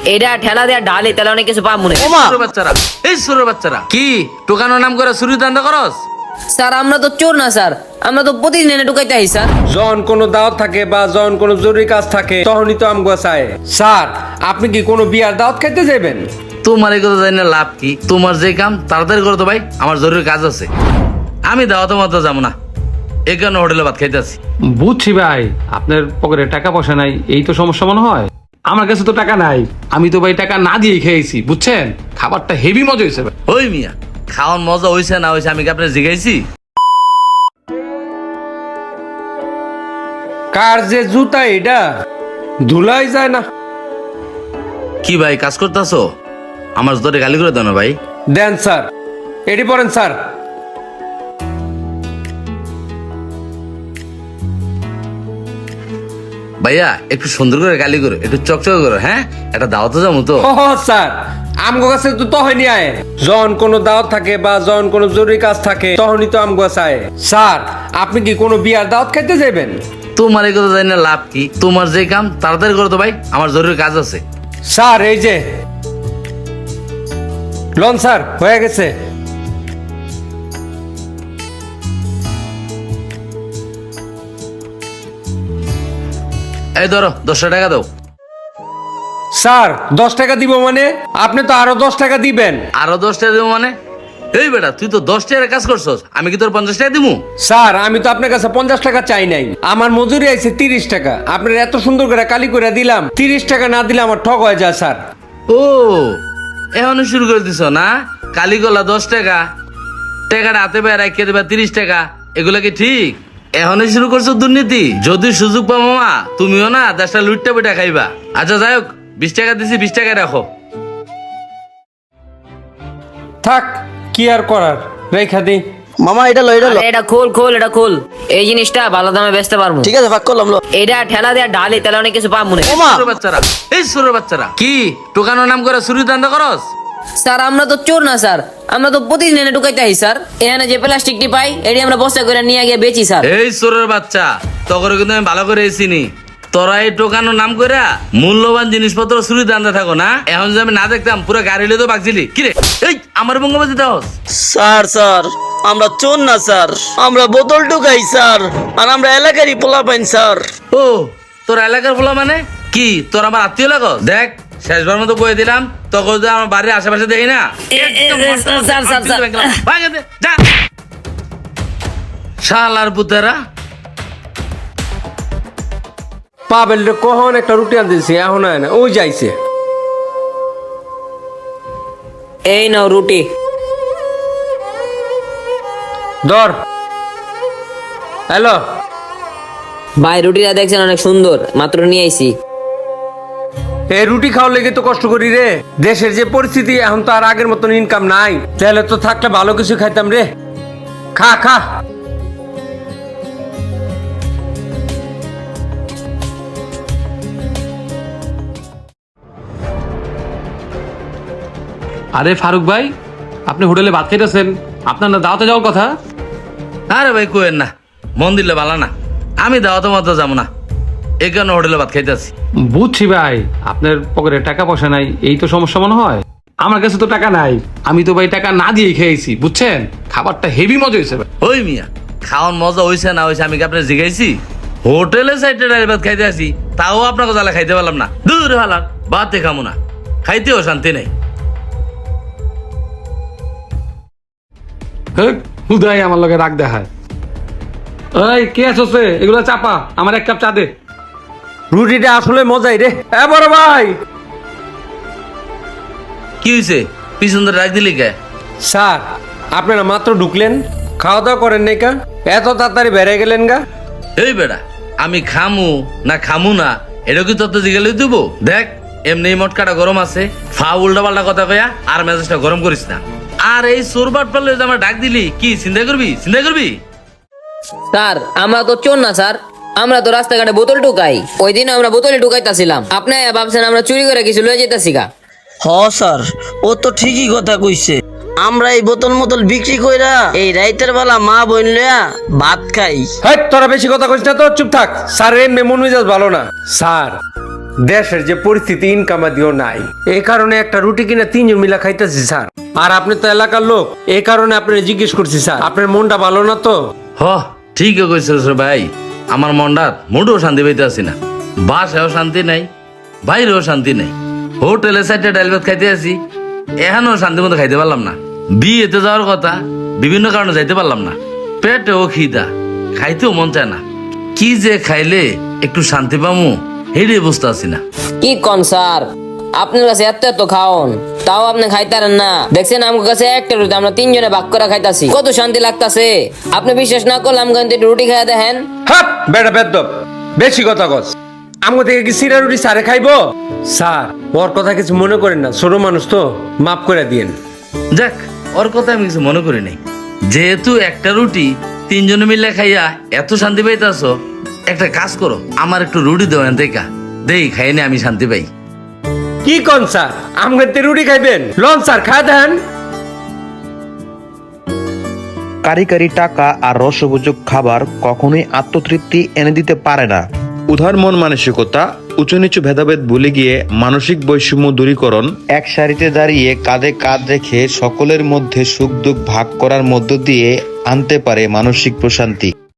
এটা ঠেলা দেয়া ঢালি তাহলে অনেক কিছু পাবো না। সুরের বাচ্চারা, এই সুরের বাচ্চারা কি টোকানোর নাম করে চুরি দান্দা করস? স্যার আমরা তো চোর না স্যার, আমরা তো প্রতিদিন এনে ঢুকাইতে আই স্যার। যখন কোনো দাওয়াত থাকে বা যখন কোনো জরুরি কাজ থাকে তখনই তো আমগো চায়। স্যার আপনি কি কোনো বিয়ার দাওয়াত খাইতে যাবেন? তোমার এই কথা জানি না লাভ কি? তোমার যে কাম তাড়াতাড়ি করো তো ভাই, আমার জরুরি কাজ আছে। আমি দাওয়াতে মতো যাবো না, এই কারণে হোটেলে ভাত খাইতে আছি। বুঝছি ভাই, আপনার পকেটে টাকা পয়সা নাই, এই তো সমস্যা মনে হয়। আমার কাছে তো টাকা নাই, আমি তো ভাই টাকা না দিয়ে খেয়েছি, বুঝছেন? খাবারটা হেভি মজা হয়েছে ভাই। ওই মিয়া, খাওয়ার মজা হয়েছে না হয়েছে আমি কি আপনার জিগাইছি? কার যে জুতা এটা ধুলাই যায় না। কি ভাই কাজ করতেছো? আমার জোরে গালি করে দাও না ভাই। দেন স্যার, এটি পড়েন স্যার। ভাইয়া একটু সুন্দর করে গালি করো, একটু চকচকে করো। হ্যাঁ, একটা দাওয়াতে যাবো তো। ও স্যার, আমগো কাছে তো হয়নি আয়। যখন কোনো দাওয়াত থাকে বা যখন কোনো জরুরি কাজ থাকে তখনই তো আমগো চায়। স্যার আপনি কি কোনো বিয়ার দাওয়াত খাইতে যাবেন? তোমার এই কথা জানি না লাভ কি? তোমার যে কাম তাড়াতাড়ি করো তো ভাই, আমার জরুরি কাজ আছে। স্যার এই যে লন স্যার, হয়ে গেছে। এই ধরো 10 টাকা দাও। স্যার 10 টাকা দিব মানে? আপনি তো আরো 10 টাকা দিবেন। আরো 10 টাকা দেবো মানে? এই বেটা তুই তো 10 টাকার কাজ করছস, আমি কি তোর 50 টাকা দিবো? স্যার আমি তো আপনার কাছে 50 টাকা চাই নাই, আমার মজুরি আছে 30 টাকা। আপনার এত সুন্দর করে কালি করে দিলাম, 30 টাকা না দিলে আমার ঠক হয়ে যায় স্যার। ও এখনো শুরু করে দিছ না? কালিগলা 10 টাকা, টাকাটা হাতে পায়ে রাখিয়ে দেবা 30 টাকা, এগুলা কি ঠিক? এখনো শুরু করছো দুর্নীতি? যদি সুযোগ পাও মামা, তুমিও না দেশটা লুটটা পিঠা খাইবা। আচ্ছা যাই হোক, 20 টাকা দিছি, 20 টাকা রাখো। থাক, কি আর করার, রেখা দিই। মামা এটা লো এটা লো। আরে এটা খোল খোল, এটা খোল। এই জিনিসটা ভালো দামে বেচতে পারবো। ঠিক আছে ভাগ করলাম লো। এটা ঠেলা দেয়া ঢালি তাহলে অনেক কিছু পাবো না। ওমা সুরের বাচ্চারা, এই সুরের বাচ্চারা কি টোকানোর নাম করে চুরি দান্দা করস? স্যার আমরা তো চোর না স্যার, আমরা তো প্রতিদিন এনে ঢুকাইতে আই স্যার। এখানে যে প্লাস্টিকটি পাই এটি আমরা বস্তা করে নিয়ে গিয়ে বেচি স্যার। এই চোরের বাচ্চা, তখন কিন্তু আমি ভালো করে চিনি। তোরা এই টোকানোর নাম করে মূল্যবান জিনিসপত্র চুরি দান্দা থাকো না। এখন যদি আমি না দেখতাম পুরো গাড়ি লিয়ে তো বাগছিলি। কিরে এই আমার বঙ্গবাদী দাও? স্যার স্যার আমরা চোর না স্যার, আমরা বোতল ঢুকাই স্যার, আর আমরা এলাকারই পোলা পাইন স্যার। ও তোর এলাকার বলা মানে কি? তোর আমার আত্মীয় লাগো? দেখ শেষবার মতো বয়ে দিলাম, তখন যদি আমার বাড়ির আশেপাশে দেখি না শালার পুতেরা। পাবেল রে কখন একটা রুটি আনতেছি, এখন আয় না, ওই যাইছে। এই নাও রুটি। ধর। হ্যালো ভাই রুটিটা দেখছেন অনেক সুন্দর, মাত্র নিয়ে আইছি। এই রুটি খাওয়ার লেগে তো কষ্ট করি রে। দেশের যে পরিস্থিতি, এখন তো আর আগের মতন ইনকাম নাই। তাহলে তো থাকলে ভালো কিছু খাইতাম রে। খা খা। আরে ফারুক ভাই, আপনি হোটেলে ভাত খাইতেছেন, আপনার না দাওয়াতে যাওয়ার কথা? আরে ভাই কোয়েন না, মন দিলে ভালো না। আমি দাওয়াতে মতো যাবো না, এই কারণে হোটেলে ভাত খাইতে আছি। বুঝছি ভাই, আপনার পকেটে টাকা পয়সা নাই, এই তো সমস্যা মনে হয়। আমার কাছে তো টাকা নাই, আমি তো ভাই টাকা না দিয়ে খেয়েছি, বুঝছেন? খাবারটা হেভি মজা হয়েছে ভাই। ওই মিয়া, খাওয়ার মজা হয়েছে না হয়েছে আমি কি আপনার জিগাইছি? হোটেলে সাইডে ডাইরেক্ট ভাত খাইতে আসি, তাও আপনাকে জ্বালা খাইতে পারলাম না। দূর হালার ভাতে খামো না, খাইতেও শান্তি নেই। হুদাই আমার লগে রাগ দেখায়। এই কে আছে? এগুলো চাপা, আমার 1 কাপ চা দে। রুটিটা আসলে মজাই রে। এ বড় ভাই। কি হয়েছে? পিছন ধরে রাখ দিলি কে? স্যার আপনারা মাত্র ঢুকলেন, খাওয়া দাওয়া করেন নাই কা? এত তাড়াতাড়ি বেড়ে গেলেন গা? এই বেড়া, আমি খামু না খামু না এটা কি তত জিগালে দিব? দেখ এমনি মটকাটা গরম আছে, ফা উল্টা পাল্টা কথা কয়া আর মেজাজটা গরম করিস না। আর এই চোরবাট পারলে আমার ডাক দিলি কি চিন্তা করবি? চিন্তা করবি? স্যার আমরা তো চোর না স্যার, আমরা তো রাস্তাঘাটে বোতল ঢুকাই। ওই দিন আমরা বোতলে ঢুকাইতাছিলাম, আপনি ভাবছেন আমরা চুরি করে কিছু লয়ে যেতেছি গা। হ স্যার, ও তো ঠিকই কথা কইছে। আমরা এই বোতল মোতল বিক্রি কইরা এই রাইতের বেলা মা বোন লয়া ভাত খাই। হ্যাঁ তোরা বেশি কথা কইস না তো, চুপ থাক। স্যার এমনি মন মেজাজ ভালো না। স্যার দেশের যে পরিস্থিতি ইনকাম দিও নাই, এই কারণে একটা রুটি কিনা 3 জন মিলা খাইতেছি স্যার। আর আপনি তো এলাকার লোক, এই কারণে আপনার জিজ্ঞেস করছি স্যার, আপনার মনটা ভালো না তো? হ ঠিকই কইছিস রে ভাই, আমার মনটার মোটেও শান্তি পাইতে আসি না। বাসায়ও শান্তি নাই, বাইরেও শান্তি নাই। হোটেলে 4টা ডাল ভাত খাইতে আসি, এখানেও শান্তি মতো খাইতে পারলাম না। বিয়েতে যাওয়ার কথা, বিভিন্ন কারণে যাইতে পারলাম না। পেটেও খিদা, খাইতেও মন চায় না। কি যে খাইলে একটু শান্তি পামু হেডে বুঝতে আসি না। কি কন স্যার, আপনার কাছে এত এত খাওন, তাও আপনি খাইতারেন না? দেখছেন আমার কাছে একটা রুটি আমরা 3 জনে ভাগ করে খাইতাছি, কত শান্তি লাগতাছে। আপনি বিশ্বাস না করলে আমাকে একটু রুটি খাইয়া দেখেন। হাপ বেটা বেদ্দপ, বেশি কথা কস। আমগো থেকে কি সিরা রুটি স্যারে খাইবো? স্যার ওর কথা কিছু মনে করেন না, ছোট মানুষ তো, মাফ করে দিয়েন। যাক, ওর কথা আমি কিছু মনে করি নাই। যেহেতু একটা রুটি 3 জনে মিলে খাইয়া এত শান্তি পাইতাছ, একটা কাজ করো, আমার একটু রুটি দেওয়া দেখা দেই, খাইনে আমি শান্তি পাই। কি কোন স্যার, আমগো তে রুটি খাইবেন? লন স্যার খা দেন। কারি কারি টাকা আর রসবোজক খাবার কখনোই আত্মতৃপ্তি এনে দিতে পারে না। উদার মন মানসিকতা, উঁচু নিচু ভেদাভেদ ভুলে গিয়ে মানসিক বৈষম্য দূরীকরণ, এক সারিতে দাঁড়িয়ে কাঁধে কাঁধ রেখে সকলের মধ্যে সুখ দুঃখ ভাগ করার মধ্য দিয়ে আনতে পারে মানসিক প্রশান্তি।